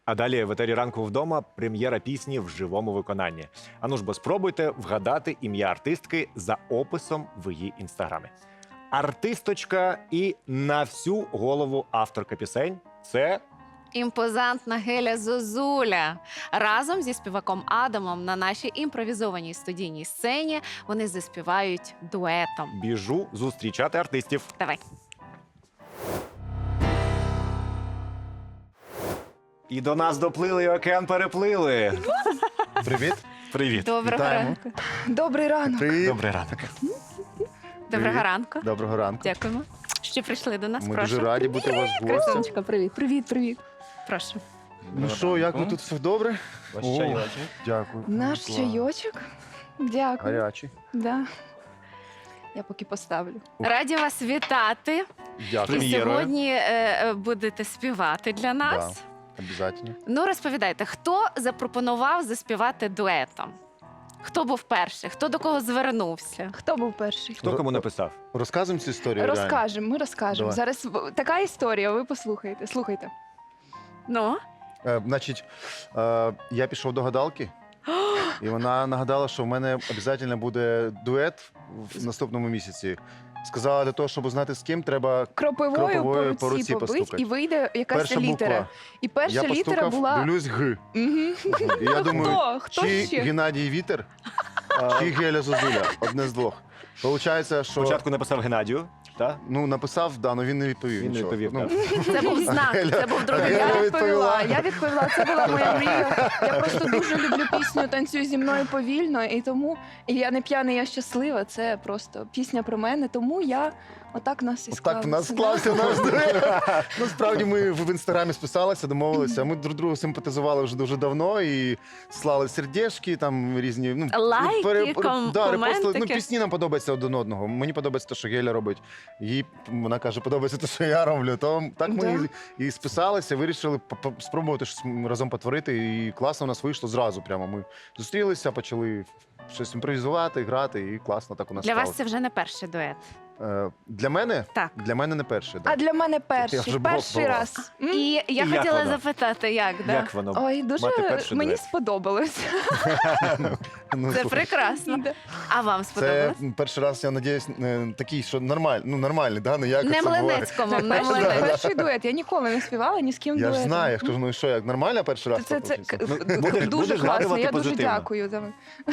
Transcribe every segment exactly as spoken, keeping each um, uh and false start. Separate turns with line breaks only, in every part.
А далі в етері «Ранку вдома» прем'єра пісні в живому виконанні. Ану ж бо спробуйте вгадати ім'я артистки за описом в її інстаграмі. Артисточка і на всю голову авторка пісень – це...
Імпозантна Геля Зозуля. Разом зі співаком Адамом на нашій імпровізованій студійній сцені вони заспівають дуетом.
Біжу зустрічати артистів.
Давай.
І до нас доплили, і океан переплили.
Привіт.
Привіт.
Доброго
Вітаємо.
ранку.
Добрий ранок.
Привіт.
Добрий ранок.
Доброго
Привіт.
ранку.
Доброго ранку.
Дякуємо, що прийшли до нас.
Ми
Прошу.
дуже раді бути у вас в гості.
Красунечка, привіт.
Привіт, привіт.
Прошу.
Ну що, як ви тут все добре?
Ваш
О,
чайочок.
Дякую.
Наш
Клас.
чайочок. Дякую.
Гарячий.
Да. Я поки поставлю.
Раді вас вітати.
Дякую.
І
Прем'єрою.
сьогодні е, е, будете співати для нас.
Обязательно.
Ну, розповідайте, хто запропонував заспівати дуетом? Хто був перший? Хто до кого звернувся?
Хто був перший?
Хто кому написав?
Розказуємо цю історію. реально?
Розкажемо, ми розкажемо.
Давай.
Зараз в- така історія, ви послухайте. Слухайте.
Ну?
Е, значить, е, я пішов до гадалки, і вона нагадала, що в мене обов'язково буде дует в наступному місяці. Сказала, для того, щоб знати з ким, треба
Кропивою,
Кропивою
по руці побить,
постукати.
і вийде якась
перша
літера.
буква.
І перша
Я
літера
постукав,
була.
дивлюсь Г.
Мгм.
І я думаю,
Хто? Хто
чи
ще?
Геннадій Вітер, чи Геля Зозуля. Одне з двох. Получається, що
Спочатку написав Геннадію, так?
ну, написав, да, але він не відповів.
Він не
нічого.
відповів,
Ну,
Це був знак, це був другий
Я
Я
знак.
відповіла,
відповіла.
я відповіла, це була моя мрія. Я просто дуже люблю пісню «Танцюй зі мною повільно», і тому і я не п'яна, я щаслива. Це просто пісня про мене, тому я отак нас і
Так в нас
склалося.
склався наш дует. Насправді ми в інстаграмі списалися, домовилися. Ми друг другу симпатизували вже дуже давно і слали сердечки, там різні ну,
Лайки,
пере-
ком-
да, репостили. Ну,
коментики.
пісні нам подобаються один одного. Мені подобається те, що Геля робить. Їй вона каже, подобається те, що я роблю. То так ми
Да.
і, і списалися, вирішили по- по- спробувати щось разом потворити. І класно у нас вийшло зразу. Прямо ми зустрілися, почали щось імпровізувати, грати, і класно так у нас
Для вас
сталося.
це вже не перший дует.
Е, Для мене?
Так.
Для мене не перший. Да.
А для мене
Я
перший,
вже
перший
була.
раз. М?
І я
І як
хотіла
воно?
запитати, як, да?
Як воно?
Ой, дуже
Мати перший
мені
дует.
сподобалось.
Ну,
Це
слухай,
прекрасно.
Да.
А вам
це
сподобалось?
перший раз, я надіюсь, не такий, що нормальний, ну нормальний, да? Не як
Не
це буває.
Млинецькому,
Так,
не
перший,
Млинецькому.
перший дует. Я ніколи не співала ні з ким
Я ж
дуетом.
знаю, я ж кажу, ну і що, як нормально перший раз?
Це, це,
попався?
к-
Ну,
д-
будеш-
дуже
будеш
класно,
згадувати
я дуже
позитивно.
дякую. за-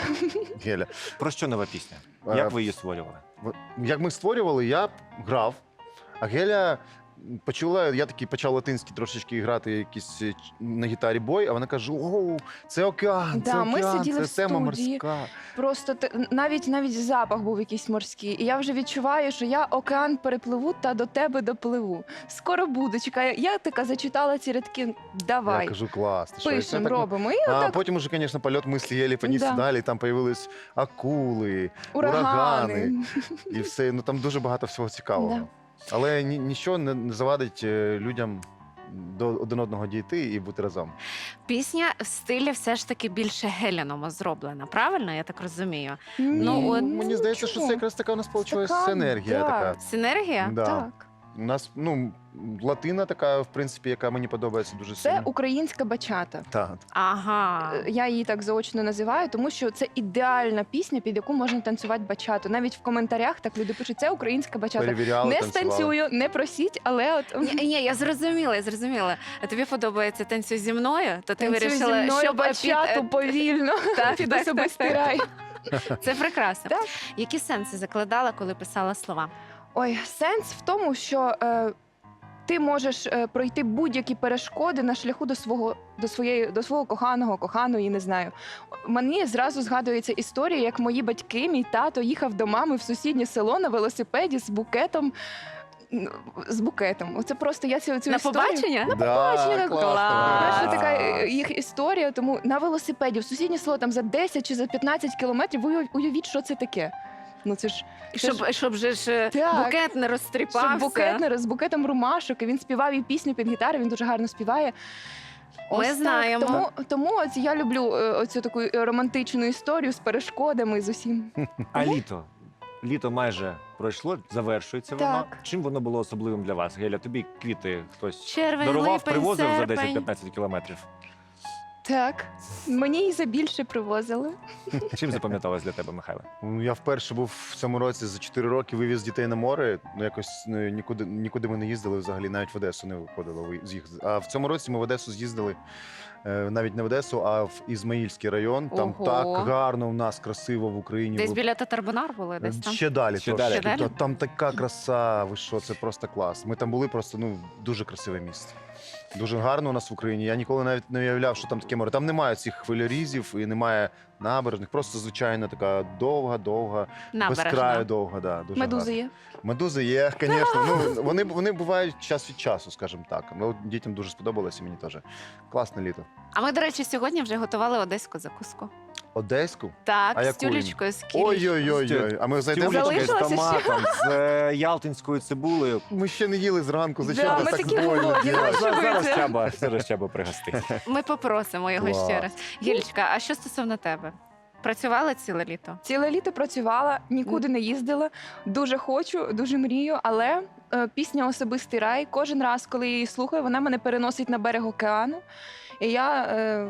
Геля.
Про що нова пісня?
Е,
Як ви її створювали?
От, Як ми створювали, я грав, а Геля почула, я такий почав латинський трошечки грати якісь е, ч- на гітарі бой, а вона каже: оу, це океан,
Да,
це
ми
океан,
сиділи
це
в
тема
студії.
морська.
Просто те- навіть навіть запах був якийсь морський. І я вже відчуваю, що я океан перепливу та до тебе допливу. Скоро буду. Чекаю. Я така зачитала ці рядки. Давай,
Я кажу, клас. ти що, і це
пишемо,
так-
робимо. І
А
отак
потім уже, звісно, польот мислі єлі понісся
Да.
далі, там появились акули,
урагани.
урагани. і все. Ну там дуже багато всього цікавого.
Да.
Але ні, нічого не, не завадить е, людям до один одного дійти і бути разом.
Пісня в стилі все ж таки більше геляному зроблена, правильно? Я так розумію.
Ні,
Ну, от-
Мені здається, що це якраз така у нас вийшла
Така,
енергія.
да.
Така.
Синергія?
Да.
Так.
У нас ну, латина така, в принципі, яка мені подобається дуже
Це
сильно.
українська бачата.
Так.
Ага.
Е, Я її так заочно називаю, тому що це ідеальна пісня, під яку можна танцювати бачату. Навіть в коментарях так люди пишуть, це українська бачата.
Перевіряли,
Не
танцювали.
станцюю, не просіть, але от
Ні, ні, я зрозуміла, я зрозуміла. А тобі подобається танцюй зі мною? То ти
танцюй
вирішила,
зі мною
щоб
бачату
під-
повільно.
Так,
Піду
так,
собі
так,
стирай.
Це прекрасно.
Так.
Які сенси закладала, коли писала слова?
Ой, сенс в тому, що е, ти можеш е, пройти будь-які перешкоди на шляху до свого до своєї до свого коханого, коханої, не знаю. Мені зразу згадується історія, як мої батьки, мій тато їхав до мами в сусіднє село на велосипеді з букетом. ну, З букетом. Оце просто я цю, цю
На
історію...
побачення?
Да,
побачення,
класно.
клас.
Перша така
Клас.
е, їх історія, тому на велосипеді в сусіднє село там за десять чи за п'ятнадцять кілометрів. Ви уяв- уявіть, що це таке. Ну це ж
Щоб, щоб же ж е,
Так.
букет не розтріпався.
щоб букетнер з букетом ромашок, і він співав і пісню під гітару, він дуже гарно співає.
Ми
Ось так.
знаємо.
Тому, тому ось я люблю е, оцю таку романтичну історію з перешкодами, з усім.
А літо? Літо майже пройшло, завершується воно.
Так.
Чим воно було особливим для вас? Геля, тобі квіти хтось
Червень,
дарував,
липень,
привозив за
серпень.
десять-п'ятнадцять кілометрів?
Так, мені і за більше привозили.
Чим запам'яталось для тебе, Михайло?
Ну, я вперше був в цьому році за чотири роки, вивіз дітей на море. Ну, якось ну, нікуди, нікуди ми не їздили взагалі, навіть в Одесу не виходило ви- з їх. А в цьому році ми в Одесу з'їздили, е, навіть не в Одесу, а в Ізмаїльський район. Там
Ого.
так гарно в нас, красиво в Україні.
Десь
Ви-
біля Татарбунар були, десь там?
Ще далі,
Ще
трошки.
далі.
Ще далі?
Та- Там така краса, ви що, це просто клас. Ми там були просто ну дуже красиве місце. Дуже гарно у нас в Україні. Я ніколи навіть не уявляв, що там таке море. Там немає цих хвилярізів і немає набережних. Просто звичайна така довга, довга, без краю
Набережна.
довга. Да, дуже
Медузи
гарно.
є.
Медузи є, звісно. Ну вони вони бувають час від часу, скажімо так. Ну дітям дуже сподобалося, мені теж. Класне літо.
А ми, до речі, сьогодні вже готували одеську закуску.
Одеську.
Так,
А
з
яку?
тюлечкою, з кілішкою.
Ой-ой-ой. А ми зайдемо.
Тюлечки з
Залишилося
томатом, з е, ялтинською цибулею.
Ми ще не їли зранку. Зачем
Да,
нас
ми
так
такі
больно
голодні,
делать?
ну, що ви
Зараз
це?
Чаба, зараз Чаба пригостить.
Ми попросимо його
Клас.
ще раз. Гілечка, а що стосовно тебе? Працювала ціле літо?
Ціле літо працювала, нікуди не їздила. Дуже хочу, дуже мрію, але е, пісня Особистий рай. Кожен раз, коли я її слухаю, вона мене переносить на берег океану. І я е,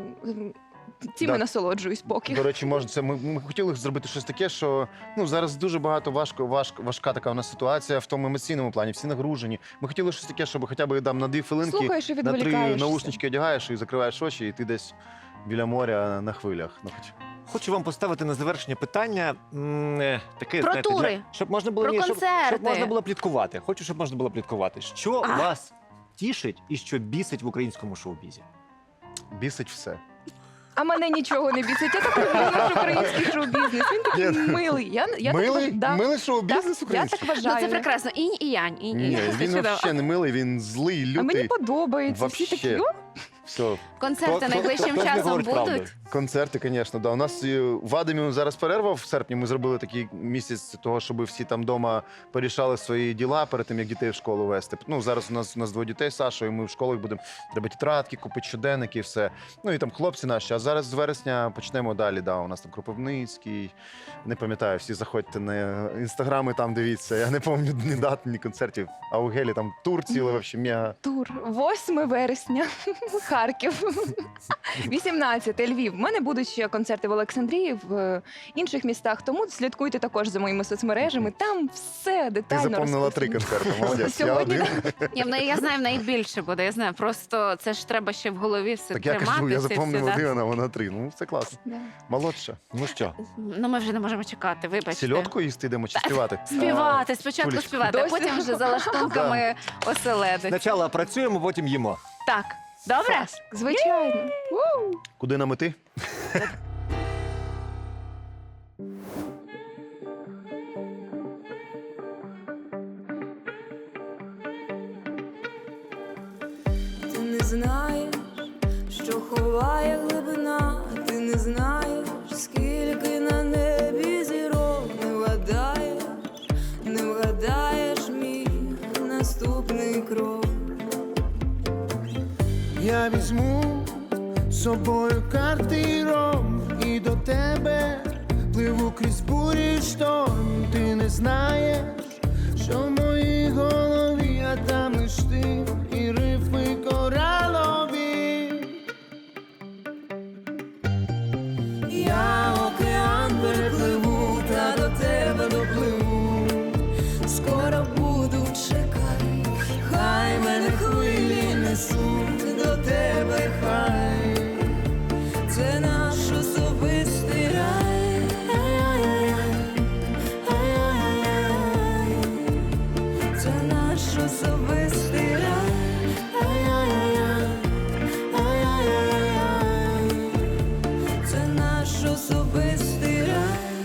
цим
Да.
і насолоджуюсь поки.
До речі, може, це ми, ми хотіли зробити щось таке, що ну зараз дуже багато важко, важко, важка така у нас ситуація в тому емоційному плані. Всі нагружені. Ми хотіли щось таке, щоб хоча б там на дві хвилинки
Слухаєш і
на три
відволікаєшся.
наушнички одягаєш і закриваєш очі, і ти десь біля моря на хвилях. Ну, хоч.
Хочу вам поставити на завершення питання м, е, таке,
Про
знаєте,
тури.
для- щоб можна було
Про
ні, щоб,
концерти.
щоб можна було пліткувати. Хочу, щоб можна було пліткувати. Що
А.
вас тішить і що бісить в українському шоу-бізі?
Бісить все.
А мене нічого не бісить. Я так люблю наш український шоу-бізнес. Він такий
Ні.
милий. Я, я
милий,
так, да.
милий шоу-бізнес
Так, я
український?
так
Ну,
вважаю.
це прекрасно. Інь і янь, інь і
Ні,
янь. Це
він
чудово.
взагалі не милий, він злий, лютий.
А мені подобається. Всі такі,
Вообще.
о,
Все.
Концерти
Хто- хто-
найближчим
хто ж не
часом
говорить правду?
будуть.
Концерти, звісно, да. У нас е, в Адамі зараз перерва в серпні. Ми зробили такий місяць того, щоб всі там вдома порішали свої діла перед тим, як дітей в школу вести. Ну зараз у нас у нас двоє дітей з Сашою. Ми в школах будемо треба тетрадки, купити щоденники, все. Ну і там хлопці наші. А зараз з вересня почнемо далі. Да, у нас там Кропивницький. Не пам'ятаю, всі заходьте на інстаграми, там дивіться. Я не пам'ятаю ні дат, ні концертів. А у Гелі там тур цілий, вообще мега.
тур. восьме вересня. Харків. вісімнадцяте Львів. У мене будуть ще концерти в Олександрії, в е, інших містах. Тому слідкуйте також за моїми соцмережами. Там все
Ти
детально
запомнила три
розписано.
концерти. Молодець. Я
Сьогодні
один.
Я, в неї- я знаю, в неї більше буде. Я знаю, просто це ж треба ще в голові все
Так я
тримати.
кажу, я
все-
запомнив
все, да.
один, а вона три. Ну, це класно.
Да.
Молодша.
Ну що,
Ну, ми вже не можемо чекати, вибачте.
Сільотку їсти йдемо чи співати?
Співати, спочатку
Тулечка.
співати, а
Досі?
потім вже за лаштунками оселедить.
спочатку працюємо, потім їмо.
Так, добре?
Звичайно. Ву!
Куди нам іти?
Ти не знаєш, що ховає глибина, ти не знаєш, скільки на небі зірок, не вгадаєш, не вгадаєш мій наступний крок.
Я візьму з собою картиром і до тебе пливу крізь бурі й шторм. Ти не знаєш, що в моїй голові, а там лиш ти і рифми коралові.
Я океан перепливу, та до тебе допливу. Скоро буду, чекай, хай мене хвилі несуть до тебе, хай. Це наш особистий рай. Ай-яй-яй, ай-яй-яй. Це наш особистий рай. Ай-яй-яй, ай-яй-яй. Це наш особистий рай.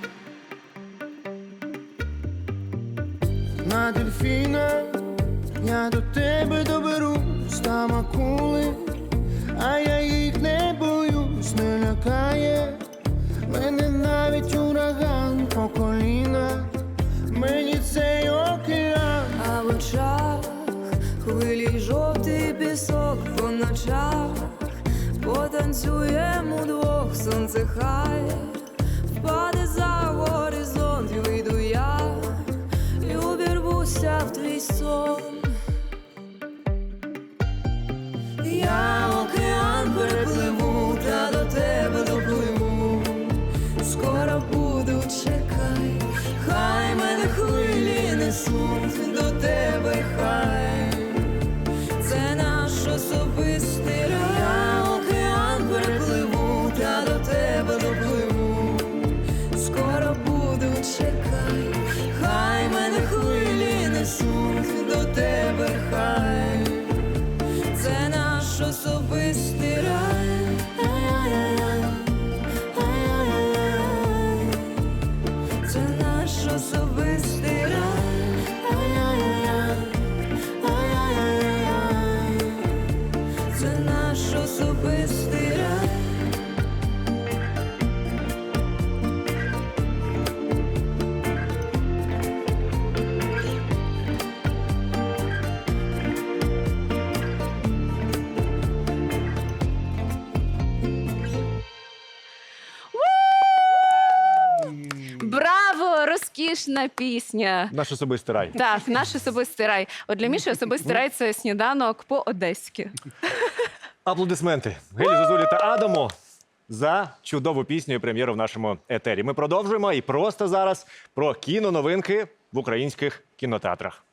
На дельфіна я до тебе доберусь, там акули, а я їх не боюсь, не лякає мене навіть ураган по коліна, мені цей океан.
А в очах хвилі й жовтий пісок, по ночах потанцюємо удвох, сонце хай впаде за горизонт, і вийду я втілюся в твій сон. Я океан перепливу, та до тебе допливу. Скоро буду, чекай, хай мене хвилі несуть до тебе, хай. Це наш особистий рай. Я океан перепливу, та до тебе допливу. Скоро буду, чекай, хай мене хвилі несуть до тебе, хай. Це наш особистий рай. Ай-яй-яй, ай-яй-яй. Це наш особистий рай. Ай-яй-яй, ай-яй-яй. Це наш особистий рай.
Браво! Розкішна пісня.
Наш особистий рай.
Так, наш особистий рай. От для Міші особистий рай це сніданок по-одеськи.
Аплодисменти Гелі Зозулі та Адаму за чудову пісню і прем'єру в нашому етері. Ми продовжуємо і просто зараз про кіноновинки в українських кінотеатрах.